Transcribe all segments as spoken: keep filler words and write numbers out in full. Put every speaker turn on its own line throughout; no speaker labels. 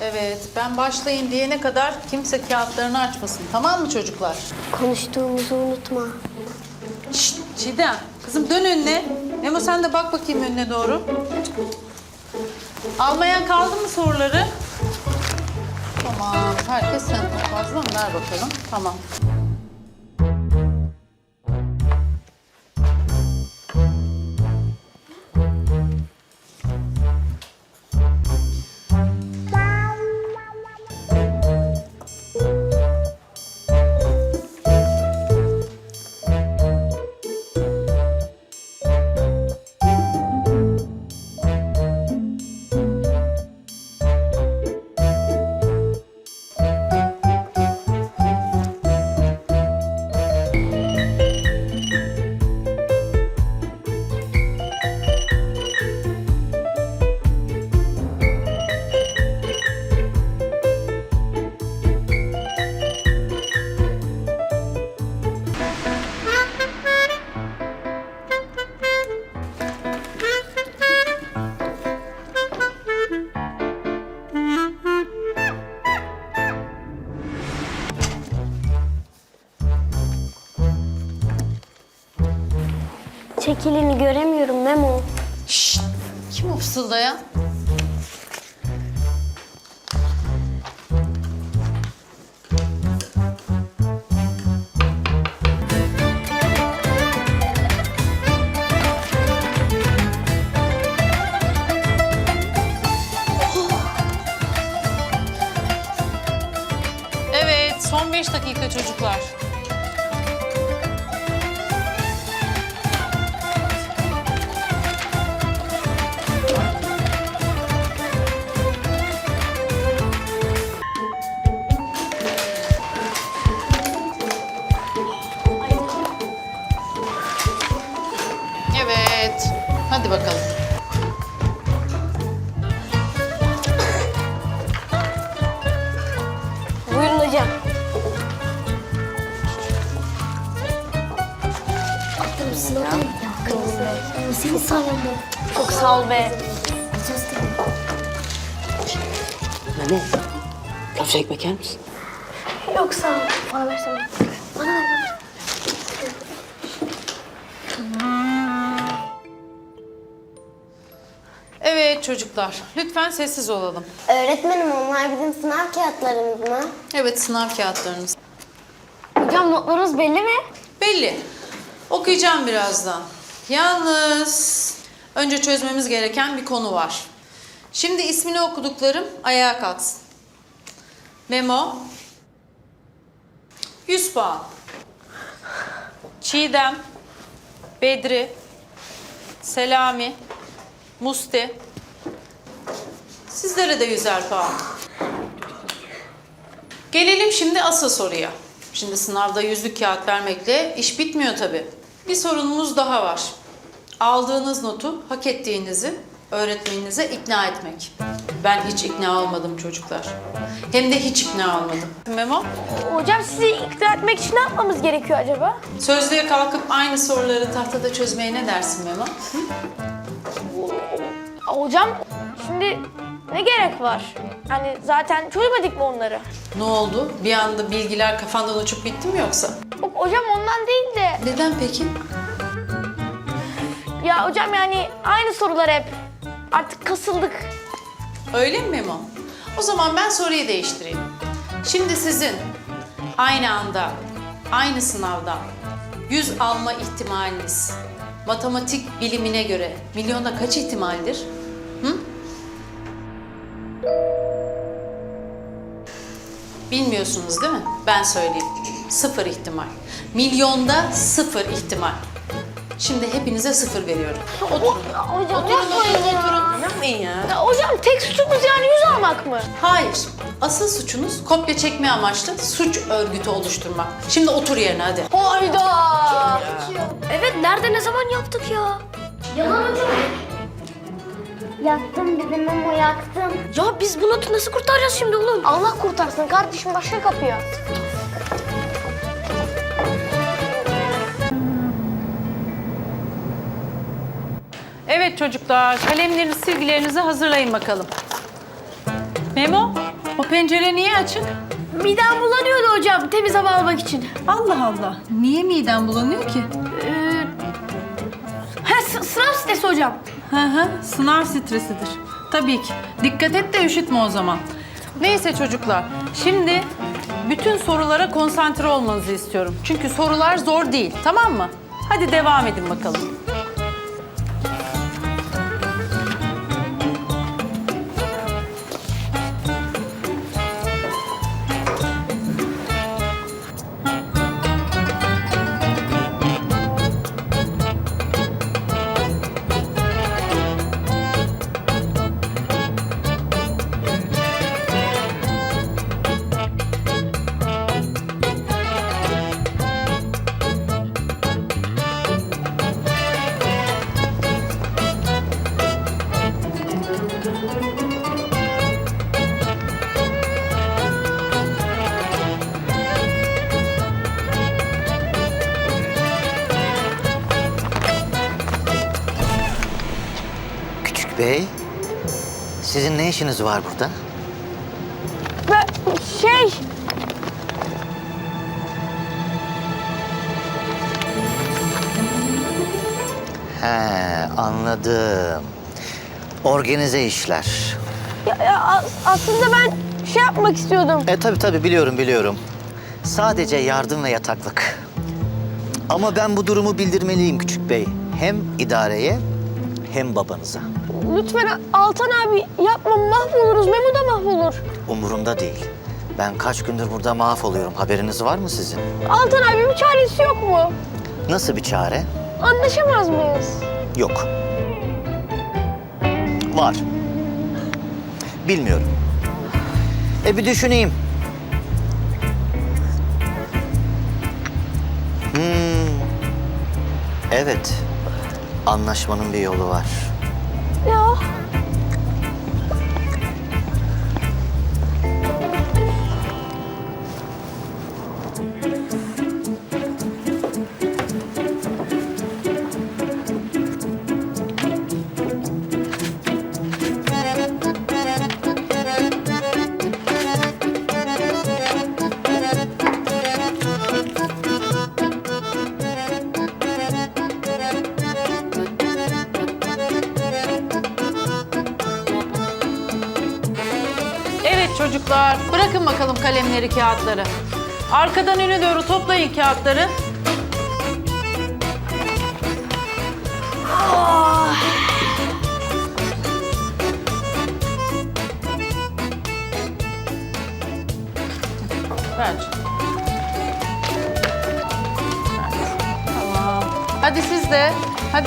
Evet, ben başlayın diyene kadar kimse kağıtlarını açmasın. Tamam mı çocuklar?
Konuştuğumuzu unutma.
Şşt, Çiğdem. Kızım dön önüne. Memo sen de bak bakayım önüne doğru. Almayan kaldı mı soruları? Tamam, herkes sen fazla mı? Ver bakalım. Tamam.
Çekilini göremiyorum Memo.
Şşt! Kim o fısıldayan? Evet, son beş dakika çocuklar. Evet, hadi bakalım.
Buyurun hocam. Aklımsın ya. Aklımsın. Seni sayemde. Çok sağ ol be.
Memo, köfte ekmek yer misin?
Yok sağ ol. Bana versene. Bana ver bana.
Evet çocuklar, lütfen sessiz olalım.
Öğretmenim onlar bizim sınav kağıtlarımız mı?
Evet, sınav kağıtlarınız.
Hocam notlarınız belli mi?
Belli. Okuyacağım birazdan. Yalnız önce çözmemiz gereken bir konu var. Şimdi ismini okuduklarım ayağa kalksın. Memo. yüz puan. Çiğdem. Bedri. Selami. Musti. Sizlere de yüzer puan. Gelelim şimdi asıl soruya. Şimdi sınavda yüzlük kağıt vermekle iş bitmiyor tabii. Bir sorunumuz daha var. Aldığınız notu hak ettiğinizi öğretmeninize ikna etmek. Ben hiç ikna olmadım çocuklar. Hem de hiç ikna olmadım. Memo,
Hocam sizi ikna etmek için ne yapmamız gerekiyor acaba?
sözlüğe kalkıp aynı soruları tahtada çözmeye ne dersin Memo?
Hocam şimdi ne gerek var? Hani zaten çözmedik mi onları?
Ne oldu? Bir anda bilgiler kafandan uçup bitti mi yoksa?
Yok hocam ondan değil de.
Neden peki?
Ya hocam yani aynı sorular hep. Artık kasıldık.
Öyle mi Memo? O zaman ben soruyu değiştireyim. Şimdi sizin aynı anda, aynı sınavdan yüz alma ihtimaliniz matematik bilimine göre milyonda kaç ihtimaldir? Hı? Bilmiyorsunuz değil mi? Ben söyleyeyim. Sıfır ihtimal. Milyonda sıfır ihtimal. Şimdi hepinize sıfır veriyorum. Oturun.
Hocam
Oturun,
yapmayın
oturun,
ya.
oturun. Yapmayın ya.
Ya hocam tek suçumuz yani yüz almak mı?
Hayır. Asıl suçunuz kopya çekme amaçlı suç örgütü oluşturmak. Şimdi otur yerine hadi.
Hayda. Evet nerede ne zaman yaptık ya? Yalan hocam.
Yaktım dedim ama yaktım.
Ya biz bu notu nasıl kurtaracağız şimdi oğlum? Allah kurtarsın kardeşim başka kapıyor.
Evet çocuklar, kalemlerinizi, silgilerinizi hazırlayın bakalım. Memo, O pencere niye açık?
Midem bulanıyordu hocam temiz hava almak için.
Allah Allah. Niye miden bulanıyor ki?
Ee, ha, s- sınav stresi hocam.
Hı hı, sınav stresidir. Tabii ki. Dikkat et de üşütme o zaman. Neyse çocuklar, şimdi bütün sorulara konsantre olmanızı istiyorum. Çünkü sorular zor değil, tamam mı? Hadi devam edin bakalım.
Küçük bey, sizin ne işiniz var burada?
Ve şey...
He, anladım. Organize işler.
Ya, ya, as- aslında ben şey yapmak istiyordum.
E tabii tabii biliyorum biliyorum. Sadece yardım ve yataklık. Ama ben bu durumu bildirmeliyim küçük bey. Hem idareye hem babanıza.
Lütfen Altan abi yapma mahvoluruz. Memo da mahvolur.
Umurumda değil. Ben kaç gündür burada mahvoluyorum. Haberiniz var mı sizin?
Altan abi bir çaresi yok mu?
Nasıl bir çare?
Anlaşamaz mıyız?
Yok. Var. Bilmiyorum. E bir düşüneyim. Hmm. Evet. Anlaşmanın bir yolu var.
Ya.
Evet çocuklar, bırakın bakalım kalemleri, kağıtları. Arkadan öne doğru toplayın kağıtları. Ver. Tamam. Hadi siz de. Hadi.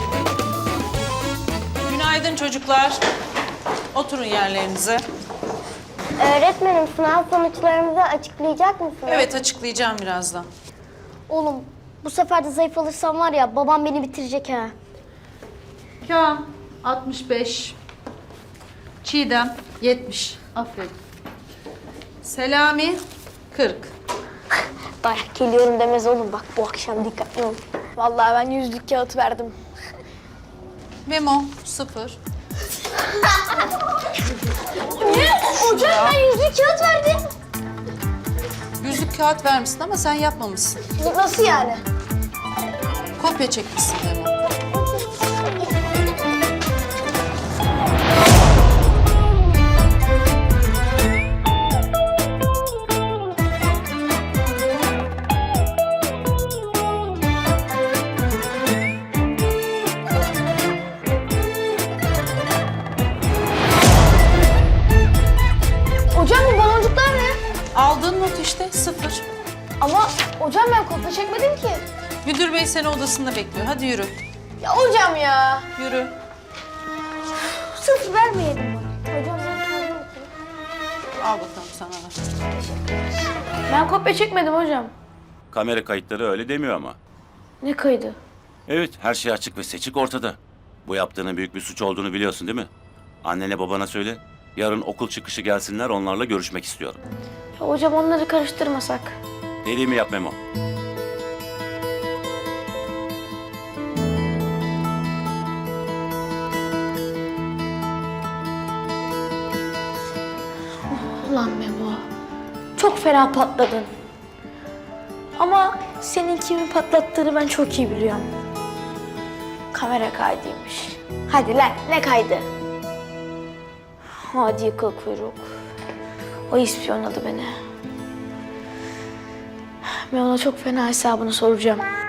Günaydın çocuklar. Oturun yerlerinize.
Öğretmenim sınav sonuçlarımızı açıklayacak mısınız?
Evet, açıklayacağım birazdan.
Oğlum bu sefer de zayıf alırsam var ya babam beni bitirecek ha.
Kaan altmış beş. Çiğdem yetmiş. Aferin. Selami kırk.
Dayak geliyorum demez oğlum bak bu akşam dikkatli ol. Vallahi ben yüzlük kağıt verdim.
Memo sıfır.
Ne? Hocam ben yüzlük kağıt verdim.
Yüzlük kağıt vermişsin ama sen yapmamışsın.
Nasıl yani?
Kopya çekmişsin Memo.
Hocam bu baloncuklar ne?
Aldığın not işte sıfır.
Ama hocam ben kopya çekmedim ki.
Müdür bey seni odasında bekliyor. Hadi yürü.
Ya hocam ya.
Yürü.
Sıfır vermeyelim bana. Hocam ben kendim okuyayım.
Al bakalım sana da.
Ben kopya çekmedim hocam.
Kamera kayıtları öyle demiyor ama.
Ne kaydı?
Evet, her şey açık ve seçik ortada. Bu yaptığının büyük bir suç olduğunu biliyorsun değil mi? Annene babana söyle. Yarın okul çıkışı gelsinler, onlarla görüşmek istiyorum.
Ya hocam onları karıştırmasak.
Dediğimi yap Memo.
Ulan Memo, çok fena patladın. Ama senin kimi patlattığını ben çok iyi biliyorum. Kamera kaydıymış. Hadi lan, ne kaydı? Hadi yıkıl kuyruk. O ispiyonladı beni. Ben ona çok fena hesabını soracağım.